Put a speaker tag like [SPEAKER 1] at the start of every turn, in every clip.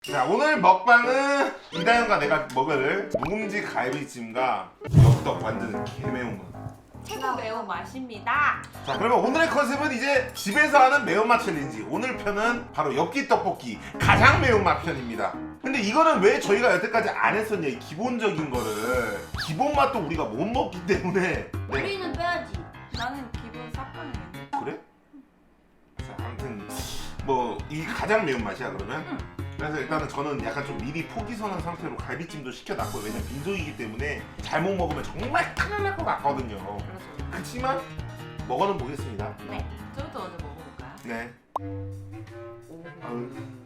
[SPEAKER 1] 자, 오늘 먹방은 이다현과 내가 먹을 묵은지 갈비찜과 엽떡 완전 개매운 거.
[SPEAKER 2] 최고 매운 맛입니다.
[SPEAKER 1] 자, 그러면 오늘의 컨셉은 이제 집에서 하는 매운맛 챌린지. 오늘 편은 바로 엽기 떡볶이 가장 매운맛 편입니다. 근데 이거는 왜 저희가 여태까지 안 했었냐, 이 기본적인 거를. 기본 맛도 우리가 못 먹기 때문에. 네.
[SPEAKER 2] 우리는 빼야지. 나는 기본 싹가능해.
[SPEAKER 1] 그래? 자, 아무튼 뭐 이 가장 매운맛이야 그러면? 그래서 일단은 저는 약간 좀 미리 포기 선한 상태로 갈비찜도 시켜놨고요. 왜냐면 빈속이기 때문에 잘못 먹으면 정말 큰일 날 것 같거든요.
[SPEAKER 2] 그래서
[SPEAKER 1] 그치만 먹어는 보겠습니다.
[SPEAKER 2] 네. 저부터 먼저 먹어볼까요?
[SPEAKER 1] 네.
[SPEAKER 2] 오.
[SPEAKER 1] 아유.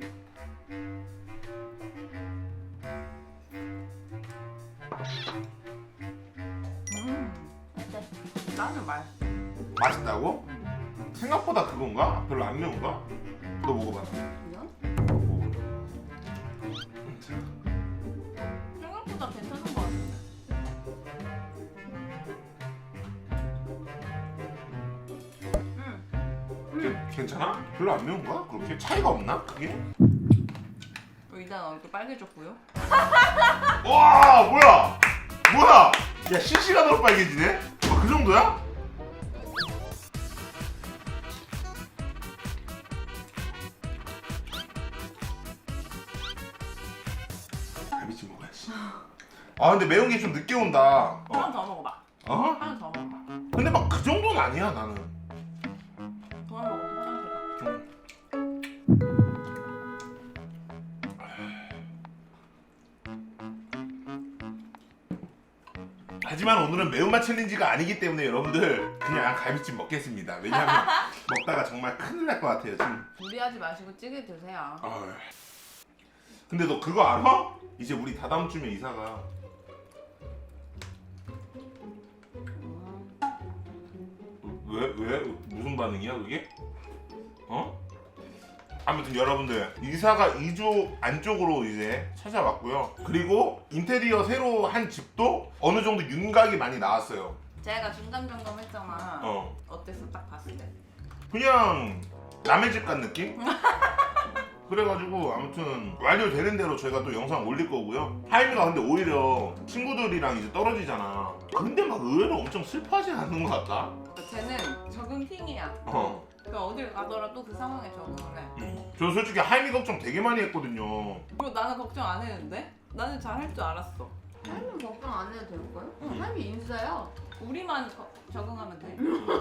[SPEAKER 2] 어때? 나는 맛있어.
[SPEAKER 1] 맛있다고? 생각보다 그건가? 별로 안 매운가? 너 먹어봐.
[SPEAKER 2] 그냥?
[SPEAKER 1] 먹어볼래?
[SPEAKER 2] 생각보다 괜찮은 것 같은데.
[SPEAKER 1] 괜찮아? 별로 안 매운가? 그렇게 차이가 없나? 그게?
[SPEAKER 2] 일단 얼굴 빨개졌고요.
[SPEAKER 1] 와, 뭐야? 뭐야? 야, 실시간으로 빨개지네? 그 정도야? 갈비찜 먹어야지. 아, 근데 매운 게 좀 늦게 온다.
[SPEAKER 2] 하나 더 먹어봐.
[SPEAKER 1] 어?
[SPEAKER 2] 하나 더 먹어봐.
[SPEAKER 1] 근데 막 그 정도는 아니야, 나는.
[SPEAKER 2] 더 하나 먹어도 화장실 가.
[SPEAKER 1] 하지만 오늘은 매운맛 챌린지가 아니기 때문에 여러분들 그냥 갈비찜 먹겠습니다. 왜냐하면 먹다가 정말 큰일 날 것 같아요, 지금.
[SPEAKER 2] 무리하지 마시고 찌개 드세요.
[SPEAKER 1] 어휴. 근데 너 그거 알아? 이제 우리 다다음 주면 이사가. 왜? 무슨 반응이야 그게? 어? 아무튼 여러분들 이사가 2주 안쪽으로 이제 찾아왔고요. 그리고 인테리어 새로 한 집도 어느 정도 윤곽이 많이 나왔어요.
[SPEAKER 2] 제가 중간 점검했잖아.
[SPEAKER 1] 어.
[SPEAKER 2] 어땠어 딱 봤을 때?
[SPEAKER 1] 그냥 남의 집 간 느낌? 그래가지고 아무튼 완료되는 대로 저희가 또 영상 올릴 거고요. 하임이가 근데 오히려 친구들이랑 이제 떨어지잖아. 근데 막 의외로 엄청 슬퍼하지 않는 것 같다.
[SPEAKER 2] 쟤는 적응 킹이야.
[SPEAKER 1] 어.
[SPEAKER 2] 그 어딜 가더라도 그 상황에 적응을 해.
[SPEAKER 1] 저 솔직히 하임이 걱정 되게 많이 했거든요.
[SPEAKER 2] 그리고 나는 걱정 안 했는데? 나는 잘 할 줄 알았어.
[SPEAKER 3] 할미 걱정 안 해도 될까요?
[SPEAKER 2] 응.
[SPEAKER 3] 할미 인싸야.
[SPEAKER 2] 우리만 적응하면 돼.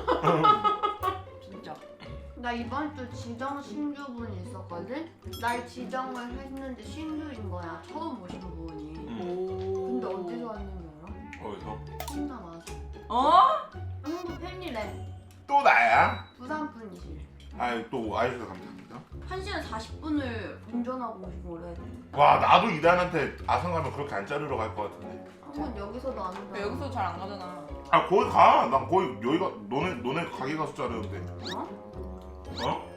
[SPEAKER 2] 진짜.
[SPEAKER 3] 나 이번 주 지정 신규분이 있었거든? 날 지정을 했는데 신규인 거야. 처음 오신 분이.
[SPEAKER 2] 오.
[SPEAKER 3] 근데 어디서 왔는지 알아?
[SPEAKER 1] 어디서?
[SPEAKER 3] 혼자 와서.
[SPEAKER 2] 어?
[SPEAKER 3] 한국 팬이래.
[SPEAKER 1] 또 나야?
[SPEAKER 3] 부산 분이시.
[SPEAKER 1] 아이 또 와주셔서 감사합니다.
[SPEAKER 3] 1시간 40분을 운전하고 오신 거래.
[SPEAKER 1] 와 나도 이단한테 아산 가면 그렇게 안 자르러 갈 것 같은데.
[SPEAKER 3] 한번 여기서도 안 온다.
[SPEAKER 2] 여기서 잘 안 가잖아.
[SPEAKER 1] 아 거기 가. 난 거기 여기가 너네 가게 가서 자르는데.
[SPEAKER 3] 어?
[SPEAKER 1] 어?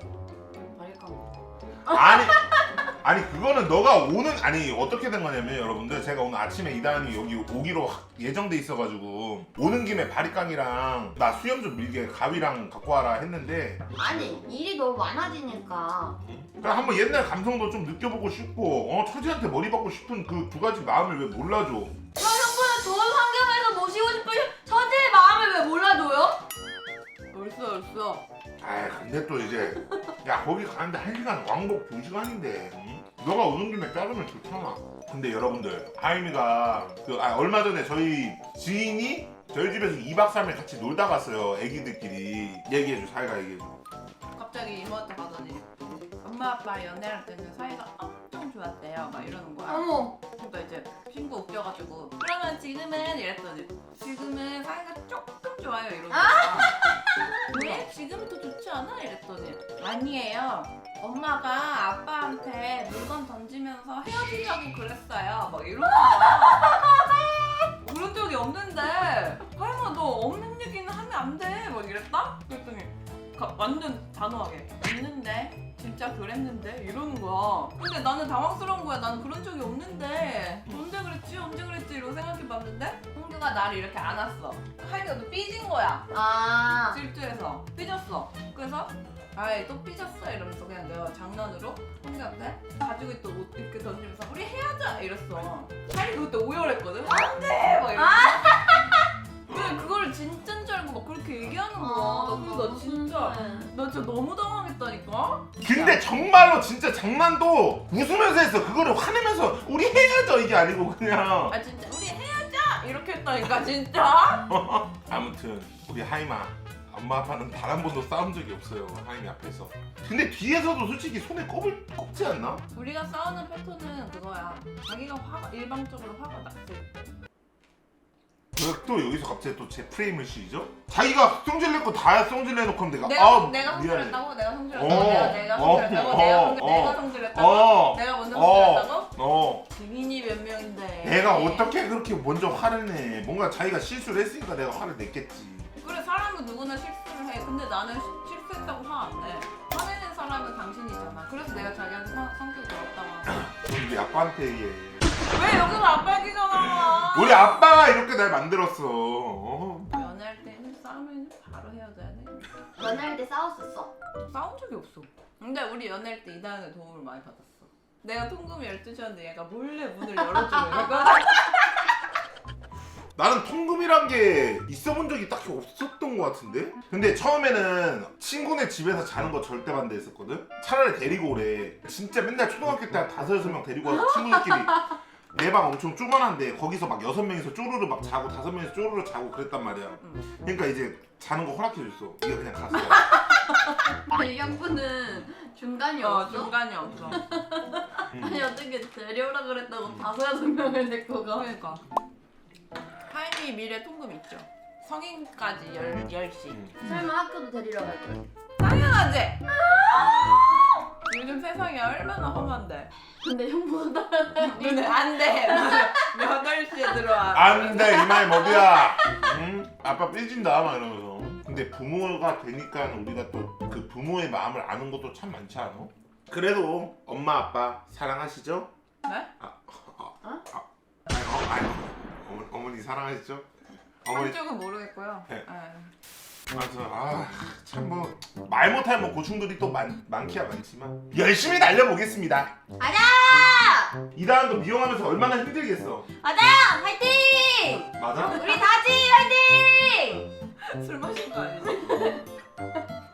[SPEAKER 3] 말까?
[SPEAKER 1] 아니 그거는 너가 오는 아니 어떻게 된 거냐면 여러분들 제가 오늘 아침에 이단이 여기 오기로 예정돼 있어가지고 오는 김에 바리깡이랑 나 수염 좀 밀게 가위랑 갖고 와라 했는데
[SPEAKER 3] 아니 일이 너무 많아지니까.
[SPEAKER 1] 그냥 한번 옛날 감성도 좀 느껴보고 싶고 처지한테 머리 받고 싶은 그 두 가지 마음을 왜 몰라줘?
[SPEAKER 3] 그럼 형부는 좋은 환경에서 모시고 싶은 처제의 마음을 왜 몰라줘요?
[SPEAKER 2] 얼쑤.
[SPEAKER 1] 아 근데 또 이제 야 거기 가는데 1시간 왕복 2시간인데 응? 너가 오는 김에 자르면 좋잖아. 근데 여러분들 하임이가 얼마 전에 저희 지인이 저희 집에서 2박 3일 같이 놀다 갔어요. 애기들끼리. 얘기해줘. 사이가 얘기해줘.
[SPEAKER 2] 갑자기 이모한테 가더니 엄마 아빠 연애할 때는 사이가 엄청 좋았대요. 막 이러는 거야.
[SPEAKER 3] 어머.
[SPEAKER 2] 그러니까 이제 친구 웃겨가지고 그러면 지금은 이랬더니 지금은 사이가 조금 좋아요 이러는 거야. 왜? 지금이 더 좋지 않아? 이랬더니 아니에요. 엄마가 아빠한테 물건 던지면서 헤어지려고 그랬어요. 막 이러는 거야. 그런 적이 없는데 하임아 너 없는 얘기는 하면 안 돼. 막 이랬다? 그랬더니 완전 단호하게 있는데 진짜 그랬는데 이러는 거야. 근데 나는 당황스러운 거야. 나는 그런 적이 없는데 언제 그랬지 이러고 생각해봤는데 홍규가 나를 이렇게 안았어. 하임이가 또 삐진 거야.
[SPEAKER 3] 아.
[SPEAKER 2] 질투해서 삐졌어. 그래서 아이 또 삐졌어 이러면서 그냥 내가 장난으로 형님한테 가지고 있던 옷 이렇게 던지면서 우리 헤어져 이랬어. 하이 그때 오열했거든. 안돼 막 이러면서. 근데 그거를 진짜인 줄 알고 막 그렇게 얘기하는 거야. 그래서 나 진짜 너무 당황했다니까.
[SPEAKER 1] 근데 정말로 진짜 장난도 웃으면서 했어. 그거를 화내면서 우리 헤어져 이게 아니고 그냥.
[SPEAKER 2] 아 진짜 우리 헤어져 이렇게 했다니까 진짜.
[SPEAKER 1] 아무튼 우리 하이마 엄마 아빠는 단 한 번도 싸운 적이 없어요. 하이미 앞에서. 근데 뒤에서도 솔직히 손에 꼽지 않나?
[SPEAKER 2] 우리가 싸우는 패턴은 그거야. 자기가 화가 일방적으로 화가 났을 때.
[SPEAKER 1] 왜 또 여기서 갑자기 또 제 프레임을 씌우죠? 자기가 성질 냈고 다 성질 내놓고 하면
[SPEAKER 2] 내가
[SPEAKER 1] 미안해.
[SPEAKER 2] 성질했다고? 내가 성질했다고?
[SPEAKER 1] 어,
[SPEAKER 2] 내가
[SPEAKER 1] 어,
[SPEAKER 2] 성질했다고?
[SPEAKER 1] 어,
[SPEAKER 2] 내가
[SPEAKER 1] 어,
[SPEAKER 2] 성질했다고?
[SPEAKER 1] 어,
[SPEAKER 2] 내가 먼저
[SPEAKER 1] 어.
[SPEAKER 2] 성질했다고? 증인이 몇 명인데?
[SPEAKER 1] 내가 어떻게 그렇게 먼저 화를 내? 뭔가 자기가 실수를 했으니까 내가 화를 냈겠지.
[SPEAKER 2] 그래 사람은 누구나 실수를 해. 근데 나는 실수했다고 화 안 내. 화내는 사람은 당신이잖아. 그래서 내가 자기한테 성격이 더럽다고 하는
[SPEAKER 1] 우리 아빠한테 얘기해.
[SPEAKER 2] 왜 여기서 아빠 얘기가 나와?
[SPEAKER 1] 우리 아빠가 이렇게 날 만들었어.
[SPEAKER 2] 연애할 때는 싸우면 바로 헤어져야 돼.
[SPEAKER 3] 연애할 때 싸웠었어?
[SPEAKER 2] 싸운 적이 없어. 근데 우리 연애할 때 이다은의 도움을 많이 받았어. 내가 통금이 12시였는데 얘가 몰래 문을 열어주고 이러거든.
[SPEAKER 1] 나는 통금이란 게 있어본 적이 딱히 없었던 것 같은데? 근데 처음에는 친구네 집에서 자는 거 절대 반대했었거든? 차라리 데리고 오래. 진짜 맨날 초등학교 때 한 5-6명 데리고 와서 친구들끼리 내 방 엄청 조그만한데 거기서 막 6명이서 쪼르르 막 자고 5명이서 쪼르르 자고 그랬단 말이야. 그러니까 이제 자는 거 허락해줬어. 이거 그냥 갔어.
[SPEAKER 3] 연구는 중간이 없어?
[SPEAKER 2] 중간이 없어.
[SPEAKER 3] 아니 어떻게 데려오라 그랬다고 5-6명을 데리고 가?
[SPEAKER 2] 그러니까. 하인이 미래 통금 있죠. 성인까지 10시.
[SPEAKER 3] 설마 학교도 데리러 갈 거야?
[SPEAKER 2] 당연하지? 요즘 세상이 얼마나 험한데.
[SPEAKER 3] 근데 형보다
[SPEAKER 2] 너네 안 돼. 8시에 들어와.
[SPEAKER 1] 안돼 이 말 뭐야? 응? 아빠 삐진다 막 이러면서. 근데 부모가 되니까 우리가 또 그 부모의 마음을 아는 것도 참 많지 않아? 그래도 엄마 아빠 사랑하시죠?
[SPEAKER 2] 네?
[SPEAKER 1] 아니, 어머니 사랑하시죠? 어머니
[SPEAKER 2] 한쪽은 모르겠고요.
[SPEAKER 1] 네.
[SPEAKER 2] 네.
[SPEAKER 1] 맞아. 참 뭐 말 못할 뭐 고충들이 또 많기야 많지만 열심히 달려보겠습니다.
[SPEAKER 3] 아자!
[SPEAKER 1] 이다은도 미용하면서 얼마나 힘들겠어.
[SPEAKER 3] 아자! 화이팅!
[SPEAKER 1] 맞아?
[SPEAKER 3] 우리 다지 화이팅!
[SPEAKER 2] 술 마신 거 아니지?